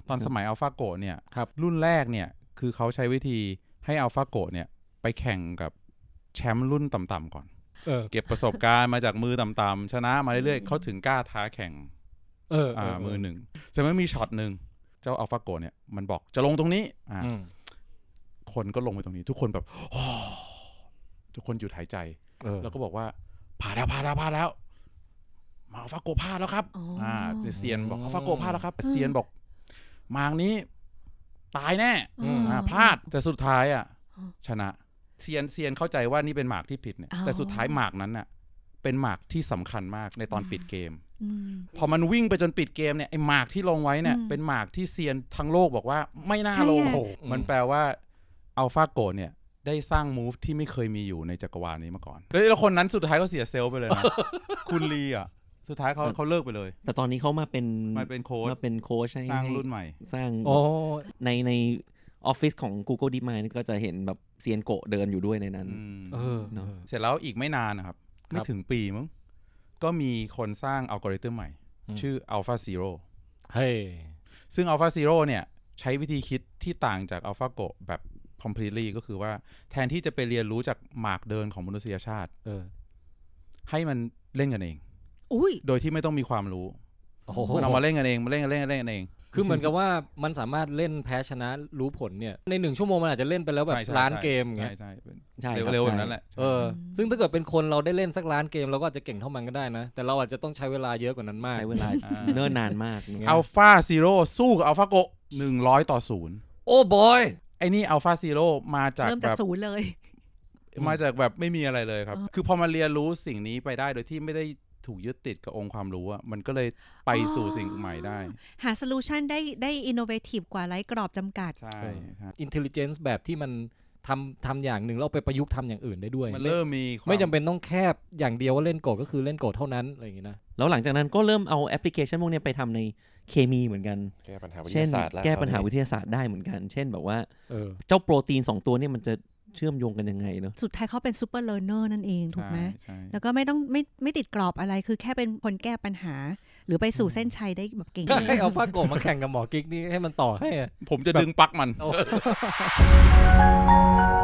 ตอนสมัยอัลฟาโกเนี่ยครับรุ่นแรกเนี่ยคือเขาใช้วิธีให้อัลฟาโกเนี่ยไปแข่งกับแชมป์รุ่นต่ำๆก่อนเก็บประสบการณ์มาจากมือต่ำๆชนะมาเรื่อยๆเขาถึงกล้าท้าแข่งมือหนึ่งแต่มันมีช็อตหนึ่งเจ้าอัลฟาโกเนี่ยมันบอกจะลงตรงนี้คนก็ลงไปตรงนี้ทุกคนแบบทุกคนหยุดหายใจแล้วก็บอกว่าผ่านแล้วมาอัลฟาโกพลาดแล้วครับเซียนบอกอัลฟาโกพลาดแล้วครับเซียนบอกมางนี้ตายแน่พลาดแต่สุดท้ายชนะเซียนเข้าใจว่านี่เป็นหมากที่ผิดเนี่ยแต่สุดท้ายหมากนั้นน่ะเป็นหมากที่สำคัญมากในตอนปิดเกมพอมันวิ่งไปจนปิดเกมเนี่ยไอ้หมากที่ลงไว้เนี่ยเป็นหมากที่เซียนทั้งโลกบอกว่าไม่น่าลงมันแปลว่าอัลฟาโกเนี่ยได้สร้างมูฟที่ไม่เคยมีอยู่ในจักรวาลนี้มาก่อนแล้วคนนั้นสุดท้ายก็เสียเซลล์ไปเลยนะ คุณลีสุดท้ายเขาเลิกไปเลยแต่ตอนนี้เขามาเป็นโค้ชสร้างรุ่นใหม่สร้างในออฟฟิศของ Google DeepMind ก็จะเห็นแบบเซียนโกะเดินอยู่ด้วยในนั้นเสร็จแล้วอีกไม่นานนะครับไม่ถึงปีมั้งก็มีคนสร้างอัลกอริทึมใหม่ชื่อ AlphaZero ซึ่ง AlphaZero เนี่ยใช้วิธีคิดที่ต่างจาก AlphaGo แบบ completely ก็คือว่าแทนที่จะไปเรียนรู้จากหมากเดินของมนุษยชาติให้มันเล่นกันเองโดยที่ไม่ต้องมีความรู้มันเอามาเล่นกันเองมาเล่นกันเองคือเหมือนกับว่ามันสามารถเล่นแพ้ชนะรู้ผลเนี่ยใน1 ชั่วโมงมันอาจจะเล่นไปแล้วแบบล้านเกมอย่างเงี้ยใช่เร็วๆแบบนั้นแหละซึ่งถ้าเกิดเป็นคนเราได้เล่นสักล้านเกมเราก็อาจจะเก่งเท่ามันก็ได้นะแต่เราอาจจะต้องใช้เวลาเยอะกว่านั้นมากใช้เวลาเนิ่นนานมาก AlphaZero สู้กับ AlphaGo 100-0โอ้บอยไอ้นี่ AlphaZero มาจากเริ่มจากศูนย์เลยมาจากแบบไม่มีอะไรเลยครับคือพอมาเรียนรู้สิ่งนี้ไปได้โดยที่ไม่ได้ถูกยึดติดกับองค์ความรู้มันก็เลยไปสู่สิ่งใหม่ได้หาโซลูชันได้อินโนเวทีฟกว่าไร้กรอบจำกัดใช่ครับอินเทลลิเจนซ์แบบที่มันทำอย่างหนึ่งแล้วไปประยุกต์ทำอย่างอื่นได้ด้วยมันเริ่มมีไม่จำเป็นต้องแคบอย่างเดียวว่าเล่นโกดก็คือเล่นโกดเท่านั้นอะไรอย่างงี้นะแล้วหลังจากนั้นก็เริ่มเอาแอปพลิเคชันพวกนี้ไปทำในเคมีเหมือนกันแก้ปัญหาวิทยาศาสตร์แก้ปัญหาวิทยาศาสตร์ได้เหมือนกันเช่นแบบว่าเจ้าโปรตีน2ตัวนี่มันจะเชื่อมโยงกันยังไงเนาะสุดท้ายเขาเป็นซูเปอร์เลิร์นเนอร์นั่นเองถูกไหมแล้วก็ไม่ต้องไม่ติดกรอบอะไรคือแค่เป็นคนแก้ปัญหาหรือไปสู่เส้นชัยได้แบบเก่งให้เอาผ้าโกะมาแข่งกับหมอกิ๊กนี่ให้มันต่อให้ผมจะดึงปลั๊กมัน